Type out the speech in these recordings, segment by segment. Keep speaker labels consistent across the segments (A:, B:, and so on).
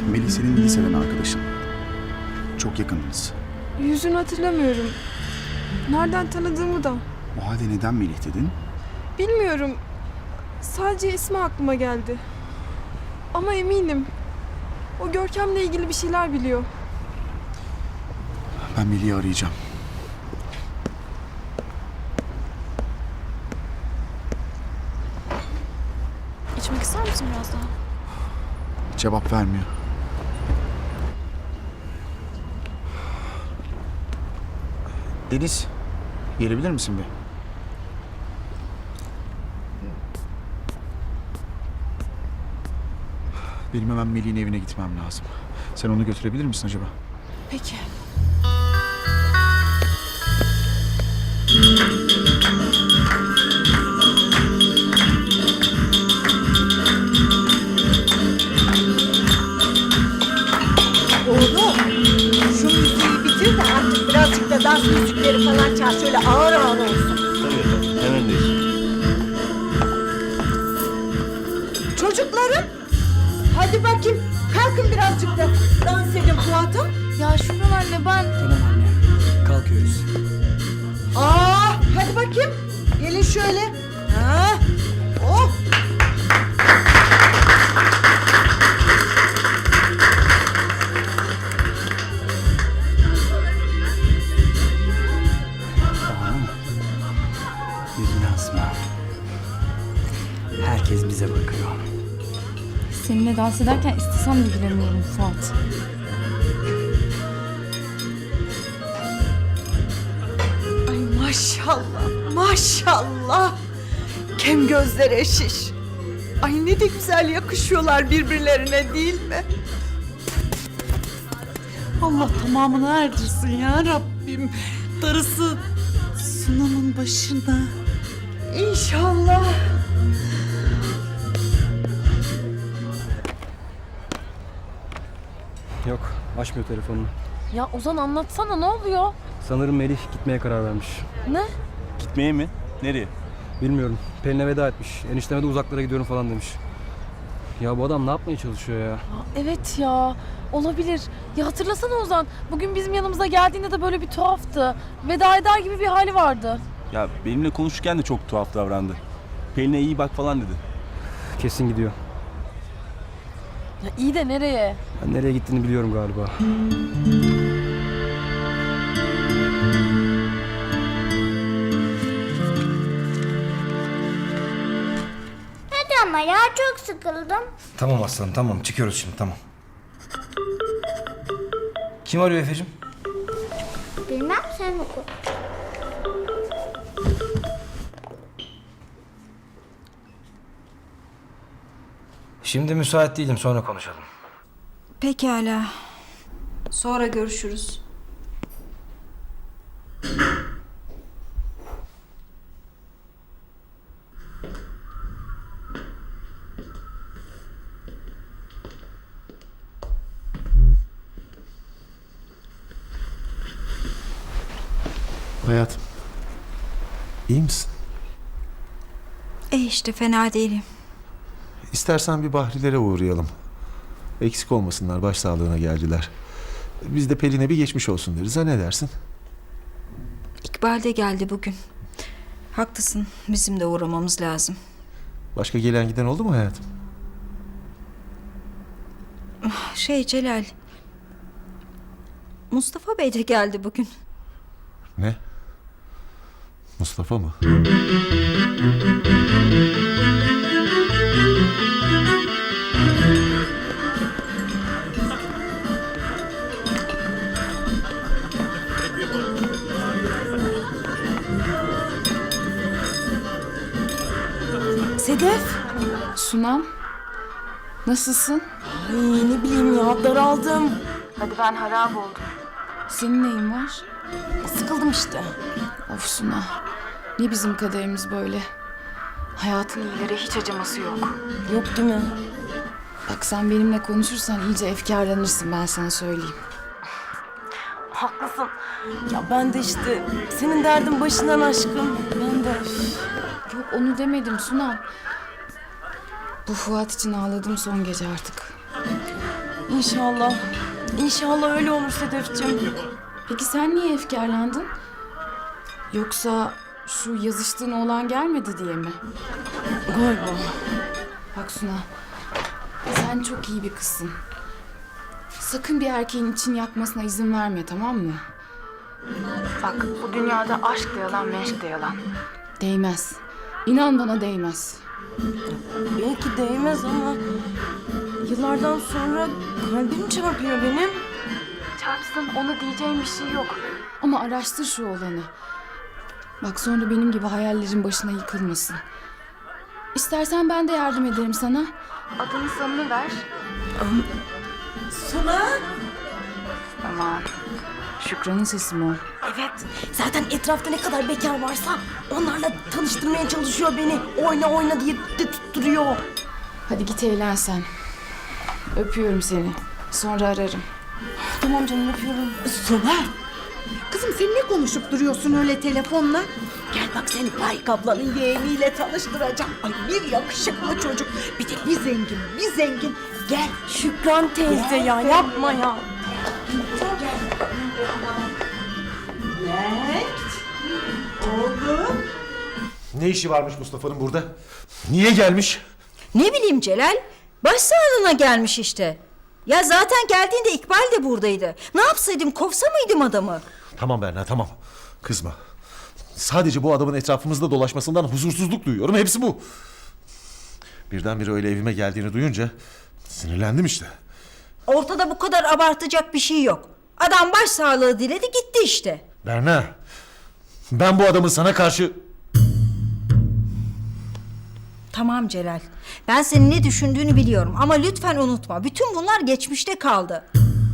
A: Melih senin liseden arkadaşın. Çok yakındınız.
B: Yüzünü hatırlamıyorum. Nereden tanıdığımı da.
A: O halde neden Melih dedin?
B: Bilmiyorum. Sadece ismi aklıma geldi. Ama eminim. O Görkem'le ilgili bir şeyler biliyor.
A: Ben Melih'i arayacağım.
C: İçmek ister misin biraz daha?
A: Cevap vermiyor. Deniz, gelebilir misin bir? Benim hemen Melih'in evine gitmem lazım. Sen onu götürebilir misin acaba?
C: Peki.
D: Oğlum, şu müziği bitir de artık birazcık da dans müzikleri falan çal. Şöyle ağır ağır olsun.
E: Tabii, hemen değişir.
D: Çocuklarım, hadi bakayım. Kalkın birazcık da dans edin Fuat'ım.
C: Ya Şükran anne ben...
F: Tamam anne. Kalkıyoruz.
D: Hadi bakayım. Gelin şöyle. Ha, oh.
F: Yüzüne asma. Herkes bize bakıyor.
G: Seninle dans ederken istesem de gülemiyorum Fuat.
D: Ay maşallah, maşallah. Kem gözler şiş. Ay ne de güzel yakışıyorlar birbirlerine değil mi? Allah tamamını erdirsin ya Rabbim. Darısı Sunam'ın başına. İnşallah.
H: Yok, açmıyor telefonunu.
C: Ya Ozan anlatsana ne oluyor?
H: Sanırım Melih gitmeye karar vermiş.
C: Ne?
E: Gitmeye mi? Nereye?
H: Bilmiyorum. Pelin'e veda etmiş. Enişteme de uzaklara gidiyorum falan demiş. Ya bu adam ne yapmaya çalışıyor ya?
C: Evet ya olabilir. Ya hatırlasana Ozan. Bugün bizim yanımıza geldiğinde de böyle bir tuhaftı. Veda eder gibi bir hali vardı.
E: Ya benimle konuşurken de çok tuhaf davrandı. Pelin'e iyi bak falan dedi.
H: Kesin gidiyor.
C: Ya iyi de nereye?
H: Ben nereye gittiğini biliyorum galiba.
I: Hadi ama ya çok sıkıldım.
J: Tamam aslanım tamam çıkıyoruz şimdi tamam. Kim arıyor Efe'cim?
I: Bilmem sen oku.
J: Şimdi müsait değilim sonra konuşalım.
G: Pekala. Sonra görüşürüz.
A: Hayatım, iyi misin?
G: İşte fena değilim.
K: İstersen bir Bahrilere uğrayalım. Eksik olmasınlar, başsağlığına geldiler. Biz de Pelin'e bir geçmiş olsun deriz. Ha ne dersin?
G: İkbal de geldi bugün. Haklısın. Bizim de uğramamız lazım.
K: Başka gelen giden oldu mu hayatım?
G: Celal. Mustafa Bey de geldi bugün.
K: Ne? Mustafa mı?
D: Sedef.
G: Sunam. Nasılsın?
D: Ay ne bileyim ya daraldım.
G: Hadi ben harap oldum. Senin neyin var?
D: Sıkıldım işte.
G: Of Suna. Ne bizim kaderimiz böyle? Hayatın iyilere hiç acıması yok.
D: Yok değil mi?
G: Bak sen benimle konuşursan iyice efkarlanırsın, ben sana söyleyeyim.
D: Haklısın. Ya ben de işte senin derdin başından aşkım. Ben de.
G: Yok onu demedim Sunam. Bu Fuat için ağladım son gece artık.
C: İnşallah. İnşallah öyle olur Sedefciğim.
G: Peki sen niye efkarlandın? Yoksa şu yazıştığın oğlan gelmedi diye mi?
C: Galiba.
G: Bak Suna, sen çok iyi bir kızsın. Sakın bir erkeğin için yakmasına izin verme, tamam mı? Bak, bu dünyada aşk da yalan, meşk de yalan. Değmez. İnan bana değmez.
C: Belki değmez ama yıllardan sonra kalbim çarpıyor benim.
G: Çarpsın, ona diyeceğim bir şey yok. Ama araştır şu olanı. Bak sonra benim gibi hayallerin başına yıkılmasın. İstersen ben de yardım ederim sana. Adını sanını ver.
D: Suna.
G: Aman. Şükran'ın sesi mi o?
C: Evet. Zaten etrafta ne kadar bekar varsa onlarla tanıştırmaya çalışıyor beni. Oyna oyna diye de tutturuyor.
G: Hadi git eğlen sen. Öpüyorum seni. Sonra ararım.
C: Tamam canım öpüyorum.
D: Suna. Kızım sen ne konuşup duruyorsun öyle telefonla? Gel bak seni Faik ablanın yeğeniyle tanıştıracağım. Ay bir yakışıklı çocuk. Bir de bir zengin, bir zengin. Gel.
C: Şükran teyze ya yapma ya.
D: Oğlum.
K: Ne işi varmış Mustafa'nın burada? Niye gelmiş?
D: Ne bileyim Celal. Başsağlığına gelmiş işte. Ya zaten geldiğinde İkbal de buradaydı. Ne yapsaydım, kovsa mıydım adamı?
K: Tamam Berna, tamam. Kızma. Sadece bu adamın etrafımızda dolaşmasından huzursuzluk duyuyorum. Hepsi bu. Birdenbire öyle evime geldiğini duyunca sinirlendim işte.
D: Ortada bu kadar abartacak bir şey yok. Adam başsağlığı diledi gitti işte.
K: Berna, ben bu adamın sana karşı...
D: Tamam Celal. Ben senin ne düşündüğünü biliyorum ama lütfen unutma. Bütün bunlar geçmişte kaldı.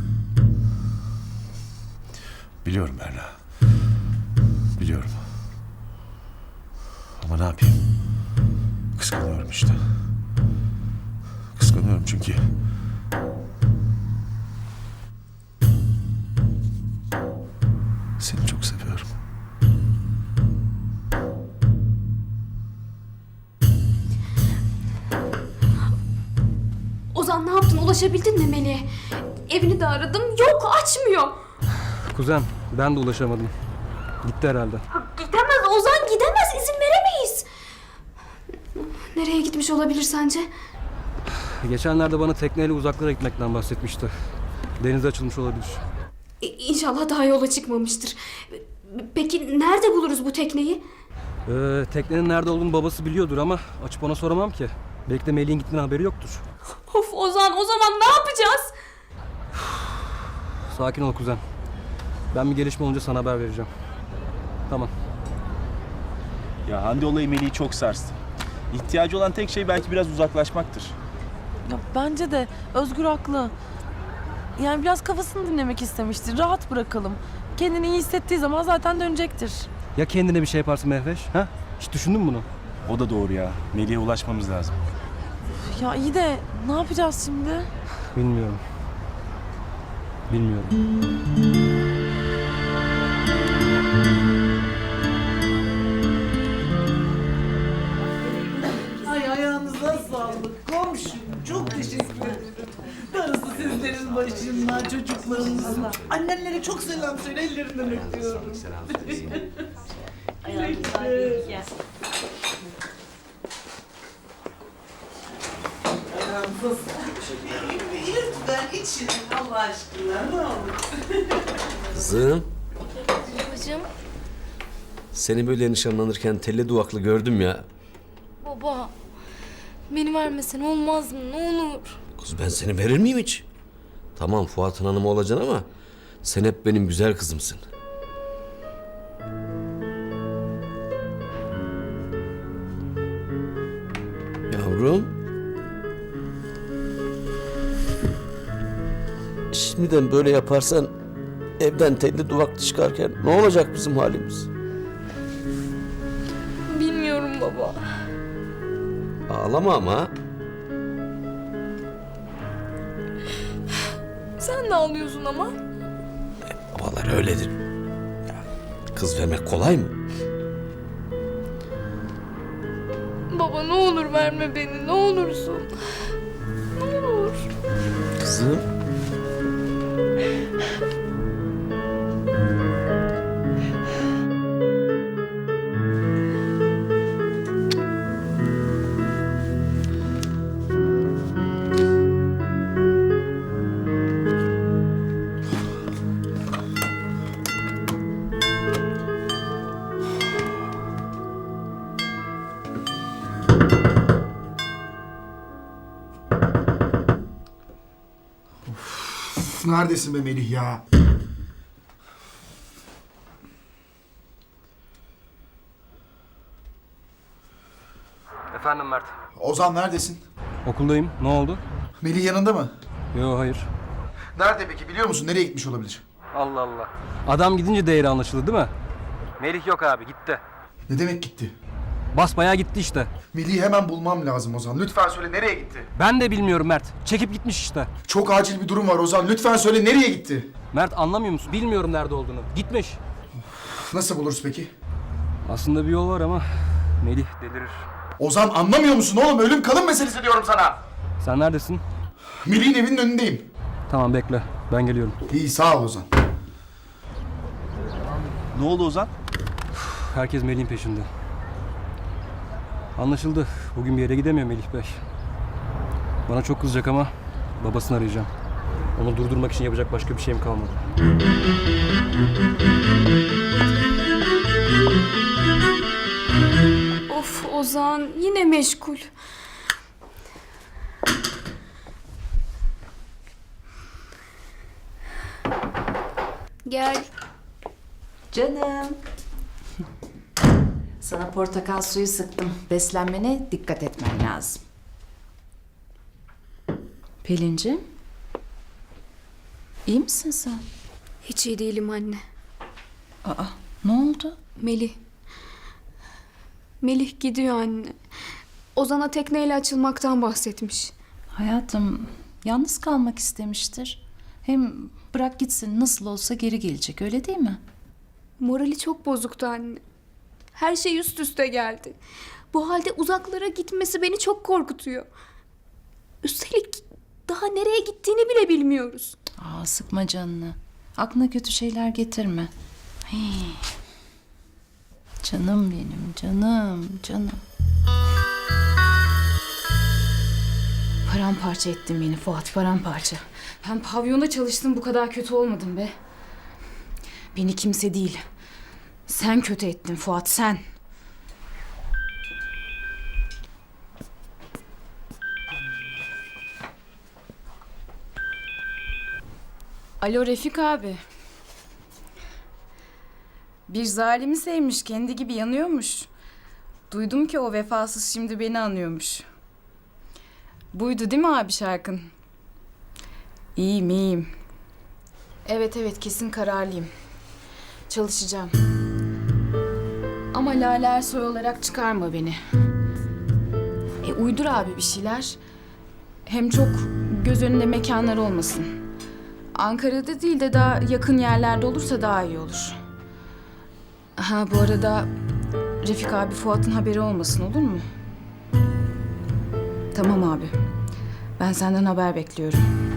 K: Biliyorum Berna. Biliyorum. Ama ne yapayım? Kıskanıyorum işte. Kıskanıyorum çünkü... Seni çok seviyorum.
I: Ozan ne yaptın? Ulaşabildin mi Melih'e? Evini de aradım. Yok, açmıyor.
H: Kuzen, ben de ulaşamadım. Gitti herhalde.
I: Gidemez Ozan, gidemez. İzin veremeyiz. Nereye gitmiş olabilir sence?
H: Geçenlerde bana tekneyle uzaklara gitmekten bahsetmişti. Denize açılmış olabilir.
I: İnşallah daha yola çıkmamıştır. Peki nerede buluruz bu tekneyi?
H: Teknenin nerede olduğunu babası biliyordur ama açıp ona soramam ki. Belki de Melih'in gittiğinden haberi yoktur.
I: Of Ozan, o zaman ne yapacağız?
H: Sakin ol kuzen. Ben bir gelişme olunca sana haber vereceğim. Tamam.
E: Ya Hande olayı Melih'i çok sarstı. İhtiyacı olan tek şey belki biraz uzaklaşmaktır.
C: Ya bence de Özgür haklı. Yani biraz kafasını dinlemek istemiştir. Rahat bırakalım. Kendini iyi hissettiği zaman zaten dönecektir.
H: Ya kendine bir şey yaparsın Mehveş? Ha? Hiç düşündün mü bunu?
E: O da doğru ya. Melih'e ulaşmamız lazım.
C: Ya iyi de ne yapacağız şimdi?
H: Bilmiyorum. Bilmiyorum.
L: Ay ayağınıza sağlık komşum. Çok teşekkür ederim. Darısı sizlerin başına, çocuklarınızın. Annenlere çok selam söyle, ellerinden öpüyorum. Ayağınıza sağlık. Lütfen için Allah aşkına ne olur.
F: Kızım,
I: Babacığım.
F: seni böyle nişanlanırken telli duvaklı gördüm ya.
I: Baba. Beni vermesen olmaz mı? Ne olur.
F: Kız ben seni verir miyim hiç? Tamam Fuat'ın hanımı olacaksın ama sen hep benim güzel kızımsın. Yavrum. Şimdiden böyle yaparsan evden telli duvaklı çıkarken ne olacak bizim halimiz?
I: Bilmiyorum baba.
F: Ağlama ama.
I: Sen de ağlıyorsun ama.
F: Babalar öyledir. Ya, kız vermek kolay mı?
I: Baba ne olur verme beni, ne olursun. Ne olur.
F: Kızım.
M: Neredesin be Melih ya?
H: Efendim Mert.
M: Ozan neredesin?
H: Okuldayım. Ne oldu?
M: Melih yanında mı?
H: Yok hayır.
M: Nerede peki biliyor musun? Nereye gitmiş olabilir?
H: Allah Allah. Adam gidince değeri anlaşıldı değil mi? Melih yok abi gitti.
M: Ne demek gitti?
H: Basbayağı gitti işte.
M: Melih'i hemen bulmam lazım Ozan. Lütfen söyle nereye gitti?
H: Ben de bilmiyorum Mert. Çekip gitmiş işte.
M: Çok acil bir durum var Ozan. Lütfen söyle nereye gitti?
H: Mert anlamıyor musun? Bilmiyorum nerede olduğunu. Gitmiş.
M: Nasıl buluruz peki?
H: Aslında bir yol var ama Melih delirir.
M: Ozan anlamıyor musun oğlum? Ölüm kalım meselesi diyorum sana.
H: Sen neredesin?
M: Melih'in evinin önündeyim.
H: Tamam bekle. Ben geliyorum.
M: İyi sağ ol Ozan.
E: Ne oldu Ozan?
H: Herkes Melih'in peşinde. Anlaşıldı. Bugün bir yere gidemiyor Melih Bey. Bana çok kızacak ama babasını arayacağım. Onu durdurmak için yapacak başka bir şeyim kalmadı.
I: Of Ozan yine meşgul. Gel.
D: Canım. Sana portakal suyu sıktım. Beslenmene dikkat etmen lazım. Pelin'ciğim. İyi misin sen?
I: Hiç iyi değilim anne.
D: Aa, ne oldu?
I: Melih. Melih gidiyor anne. Ozan'a tekneyle açılmaktan bahsetmiş.
D: Hayatım, yalnız kalmak istemiştir. Hem bırak gitsin, nasıl olsa geri gelecek, öyle değil mi?
I: Morali çok bozuktu anne. Her şey üst üste geldi. Bu halde uzaklara gitmesi beni çok korkutuyor. Üstelik daha nereye gittiğini bile bilmiyoruz.
D: Aa, sıkma canını. Aklına kötü şeyler getirme. Hii. Canım benim, canım.
G: Paramparça ettin beni Fuat, paramparça. Ben pavyonda çalıştım, bu kadar kötü olmadım be. Beni kimse değil. Sen kötü ettin Fuat, sen. Alo Refik abi. Bir zalimi sevmiş, kendi gibi yanıyormuş. Duydum ki o vefasız şimdi beni anıyormuş. Buydu değil mi abi şarkın? İyiyim. Evet kesin kararlıyım. Çalışacağım. Ama Lale Ersoy olarak çıkarma beni. Uydur abi bir şeyler. Hem çok göz önünde mekanlar olmasın. Ankara'da değil de daha yakın yerlerde olursa daha iyi olur. Ha bu arada Refik abi Fuat'ın haberi olmasın, olur mu? Tamam abi. Ben senden haber bekliyorum.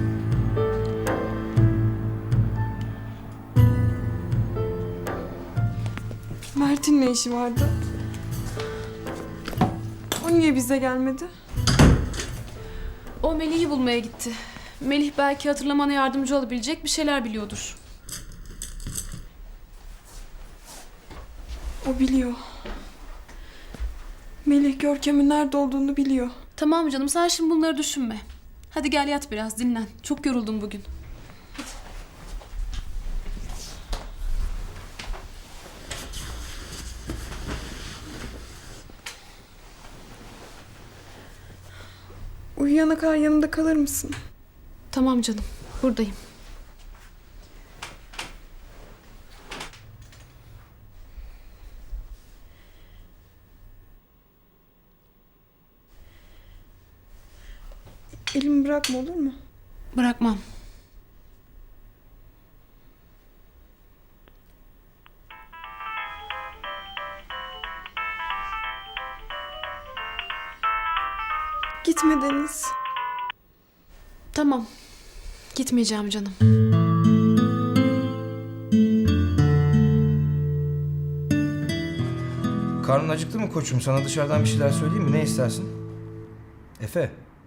B: Mert'in ne işi vardı? O niye bize gelmedi?
C: O Melih'i bulmaya gitti. Melih belki hatırlamana yardımcı olabilecek bir şeyler biliyordur.
B: O biliyor. Melih Görkem'in nerede olduğunu biliyor.
C: Tamam canım, sen şimdi bunları düşünme. Hadi gel yat biraz, dinlen. Çok yoruldum bugün.
B: Uyuyana kadar yanımda kalır mısın?
C: Tamam canım, buradayım.
B: Elimi bırakma, olur mu?
C: Bırakmam.
B: Gitme Deniz.
C: Tamam. Gitmeyeceğim canım.
J: Karnın acıktı mı koçum? Sana dışarıdan bir şeyler söyleyeyim mi? Ne istersin? Efe.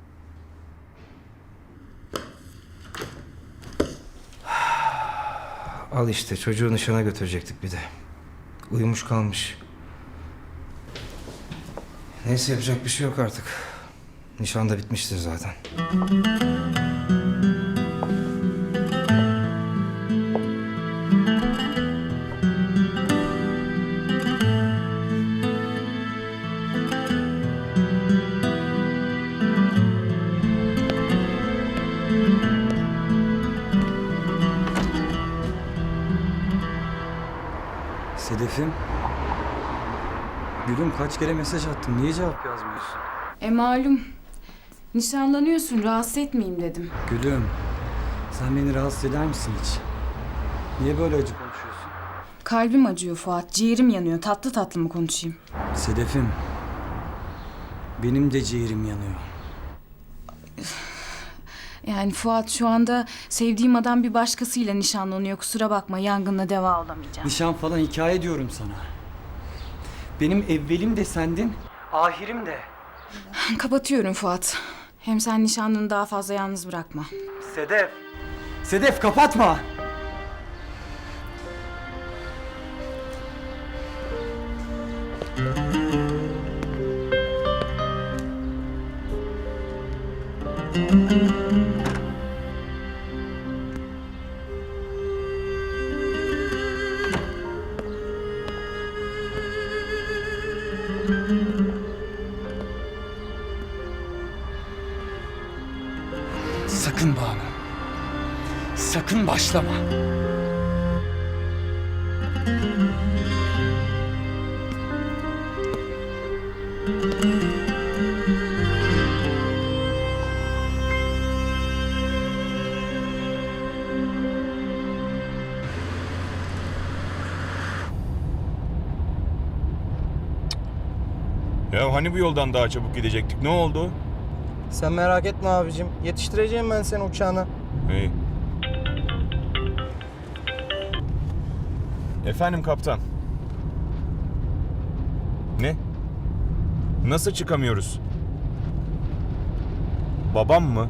J: Al işte, çocuğu nişana götürecektik bir de. Uyumuş kalmış. Neyse, yapacak bir şey yok artık. Nişan da bitmiştir zaten.
H: Sedef'im. Gülüm kaç kere mesaj attım. Niye cevap yazmıyorsun?
G: Malum. Nişanlanıyorsun, rahatsız etmeyeyim dedim.
H: Gülüm. Sen beni rahatsız eder misin hiç? Niye böyle acı konuşuyorsun?
G: Kalbim acıyor Fuat, ciğerim yanıyor. Tatlı tatlı mı konuşayım?
H: Sedef'im. Benim de ciğerim yanıyor.
G: Yani Fuat şu anda sevdiğim adam bir başkasıyla nişanlanıyor. Kusura bakma, yangınla deva olamayacağım.
H: Nişan falan hikaye diyorum sana. Benim evvelim de sendin, ahirim de.
G: Kapatıyorum Fuat. Hem sen nişanlını daha fazla yalnız bırakma.
H: Sedef! Sedef kapatma! Sakın Banu. Sakın başlama.
E: Ya hani bu yoldan daha çabuk gidecektik? Ne oldu?
J: Sen merak etme abicim. Yetiştireceğim ben seni uçağına.
E: İyi. Efendim kaptan. Ne? Nasıl çıkamıyoruz? Babam mı?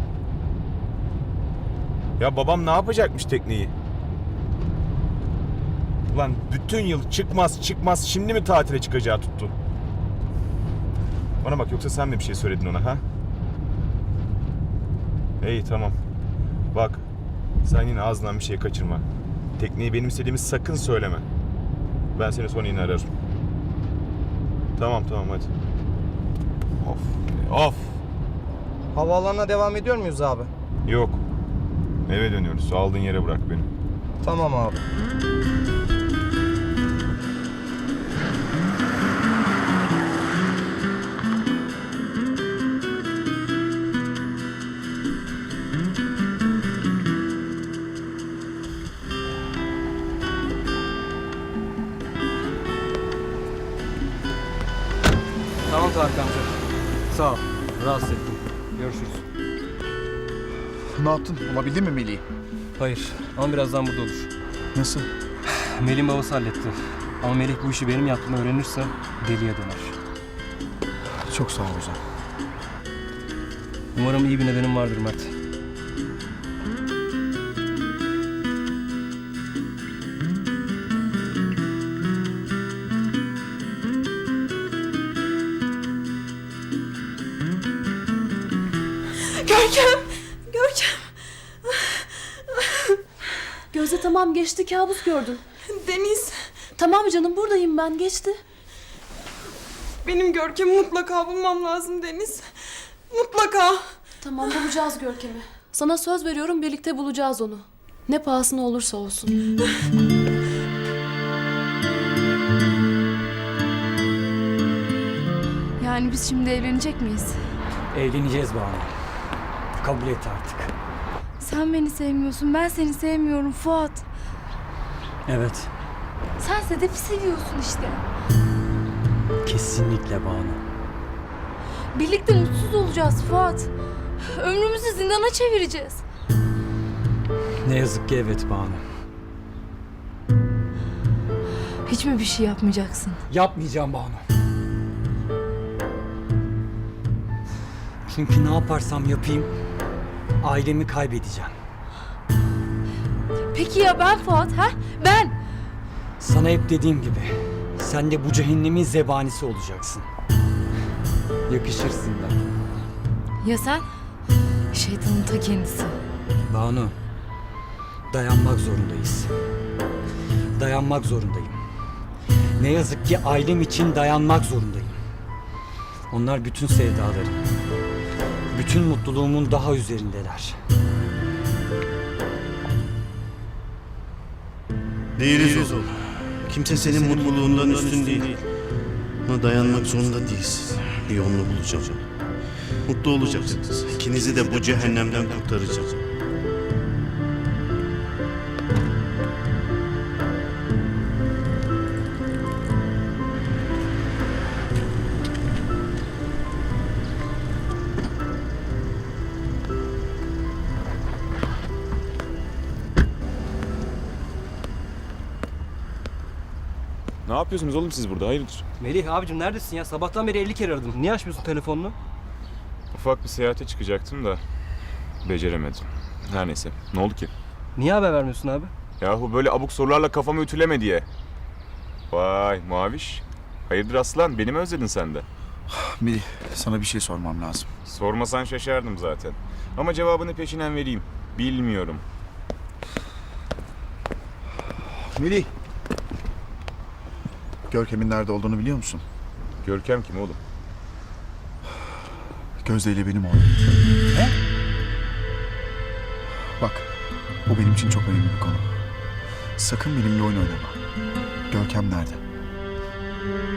E: Ya babam ne yapacakmış tekneyi? Ulan bütün yıl çıkmaz şimdi mi tatile çıkacağı tuttu? Bana bak, yoksa sen mi bir şey söyledin ona ha? İyi tamam. Bak sen yine ağzından bir şey kaçırma. Tekneyi benim istediğimi sakın söyleme. Ben seni sonra yine ararım. Tamam hadi. Of.
J: Havaalanına devam ediyor muyuz abi?
E: Yok. Eve dönüyoruz. Aldığın yere bırak beni.
J: Tamam abi.
H: Tamam Tarık amca. Sağ ol. Rahatsız ettim. Görüşürüz.
A: Ne yaptın? Bulabildin mi Melih'i?
H: Hayır ama birazdan burada olur.
A: Nasıl?
H: Melih'in babası halletti. Ama Melih bu işi benim yaptığımı öğrenirse deliye döner.
A: Çok sağ ol Ozan.
H: Umarım iyi bir nedenim vardır Mert.
B: Görkem.
C: Gözde tamam geçti, kabus gördün.
B: Deniz,
C: Tamam canım, buradayım ben, geçti.
B: benim Görkem'i mutlaka bulmam lazım Deniz. Mutlaka.
C: Tamam, bulacağız Görkem'i. Sana söz veriyorum, birlikte bulacağız onu. Ne pahasına olursa olsun.
G: Yani biz şimdi evlenecek miyiz?
H: Evleneceğiz Banu. Kabul et artık.
G: Sen beni sevmiyorsun, ben seni sevmiyorum Fuat.
H: Evet.
G: Sen Sedef'i seviyorsun işte.
H: Kesinlikle Banu.
G: Birlikte mutsuz olacağız Fuat. Ömrümüzü zindana çevireceğiz.
H: Ne yazık ki evet Banu.
G: Hiç mi bir şey yapmayacaksın?
H: Yapmayacağım Banu. Çünkü ne yaparsam yapayım ailemi kaybedeceğim.
G: Peki ya ben Fuat, ha? Ben!
H: Sana hep dediğim gibi sen de bu cehennemin zebanisi olacaksın. Yakışırsın da.
G: Ya sen? Şeytanın ta kendisi.
H: Banu, dayanmak zorundayız. Dayanmak zorundayım. Ne yazık ki ailem için dayanmak zorundayım. Onlar bütün sevdalarım, bütün mutluluğumun daha üzerindeler.
K: Değiliz oğlum.
M: Kimse senin mutluluğundan üstün değil. Buna dayanmak zorunda değilsin. Bir yolunu bulacağım. Mutlu olacaksınız. İkinizi de bu cehennemden kurtaracağım.
E: Ne yapıyorsunuz oğlum siz burada? Hayırdır?
H: Melih abicim neredesin ya? Sabahtan beri 50 kere aradım. Niye açmıyorsun telefonunu?
E: Ufak bir seyahate çıkacaktım da beceremedim. Her neyse. Ne oldu ki?
H: Niye haber vermiyorsun abi?
E: Yahu böyle abuk sorularla kafamı ütüleme diye. Vay Maviş. Hayırdır aslan? Beni mi özledin sen de?
A: Melih, sana bir şey sormam lazım.
E: Sormasan şaşardım zaten. Ama cevabını peşinen vereyim. Bilmiyorum.
A: Melih. Görkem'in nerede olduğunu biliyor musun?
E: Görkem kim oğlum?
A: Gözde ile benim oğlum.
H: Ne?
A: Bak, bu benim için çok önemli bir konu. Sakın benimle oyun oynama. Görkem nerede?